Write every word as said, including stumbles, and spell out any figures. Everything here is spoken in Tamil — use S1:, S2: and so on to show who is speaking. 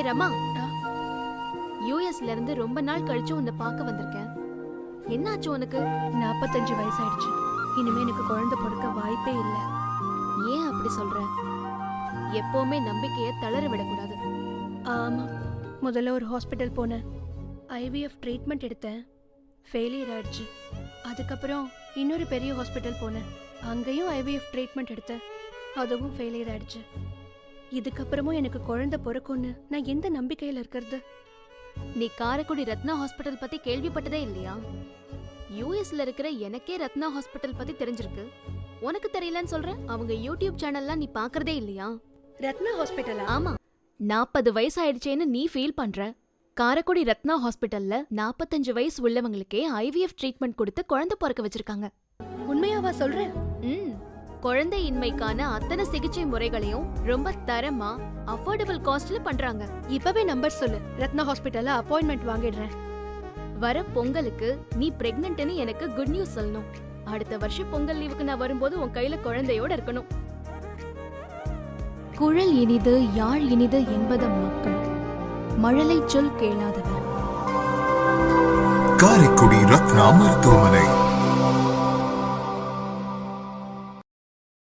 S1: ரமா, யூஎஸ்ல இருந்து ரொம்ப நாள் கழிச்சு உன்னை பார்க்க வந்திருக்கேன். என்னாச்சு உனக்கு?
S2: நாற்பத்தஞ்சு வயசாயிடுச்சு. இனிமே எனக்கு குழந்தை பிறக்க வாய்ப்பே இல்லை.
S1: ஏன் அப்படி சொல்ற? எப்பவுமே நம்பிக்கைய தளர விடக்கூடாது.
S2: ஆமா, முதல்ல ஒரு ஹாஸ்பிட்டல் போனேன். ஐவிஎஃப் ட்ரீட்மெண்ட் எடுத்தேன், ஃபெயிலியர் ஆயிடுச்சு. அதுக்கப்புறம் இன்னொரு பெரிய ஹாஸ்பிட்டல் போனேன், அங்கேயும் ஐவிஎஃப் ட்ரீட்மெண்ட் எடுத்தேன், அதுவும் ஃபெயிலியர் ஆயிடுச்சு. இதுக்கப்புறமும் எனக்கு குழந்தை பிறக்கும்னு நான் எந்த நம்பிக்கையில இருக்கிறது?
S1: நீ காரைக்குடி ரத்னா ஹாஸ்பிட்டல் பத்தி கேள்விப்பட்டதே இல்லையா? யூஎஸ்ல இருக்கிற எனக்கே ரத்னா ஹாஸ்பிட்டல் பத்தி தெரிஞ்சிருக்கு, உனக்கு தெரியலன்னு சொல்ற? அவங்க யூடியூப் சேனல்லாம் நீ பாக்குறதே இல்லையா?
S2: ரத்னா ஹாஸ்பிட்டலா?
S1: ஆமா, நாற்பது வயசு ஆயிடுச்சேன்னு நீ ஃபீல் பண்ற. காரைக்குடி ரத்னா ஹாஸ்பிட்டல்ல நாற்பத்தஞ்சு வயசு உள்ளவங்களுக்கே ஐவிஎஃப் ட்ரீட்மெண்ட் கொடுத்து குழந்தை பிறக்க வச்சிருக்காங்க.
S2: உண்மையாவா சொல்ற?
S1: ம், குழந்தை இன்மைக்கான அத்தனை சிகிச்சை முறைகளையும் ரொம்ப தரமா அஃபோர்டபிள் காஸ்ட்ல பண்றாங்க.
S2: இப்பவே நம்பர் சொல்லு, ரத்னா ஹாஸ்பிட்டல்ல அப்பாயின்மெண்ட் வாங்கிடுறேன்.
S1: வர பொங்கலுக்கு நீ பிரெக்னன்ட்னு எனக்கு குட் நியூஸ் சொல்லணும். அடுத்த வருஷம் பொங்கல் லீவுக்கு நான் வரும்போது உன் கையில குழந்தையோட இருக்கணும். குழல் இனிது யாழ் இனிது என்பதம் மக்கள், மழலை சொல் கேளாதவர்.
S3: காரைக்குடி ரத்னா மருத்துவமனை.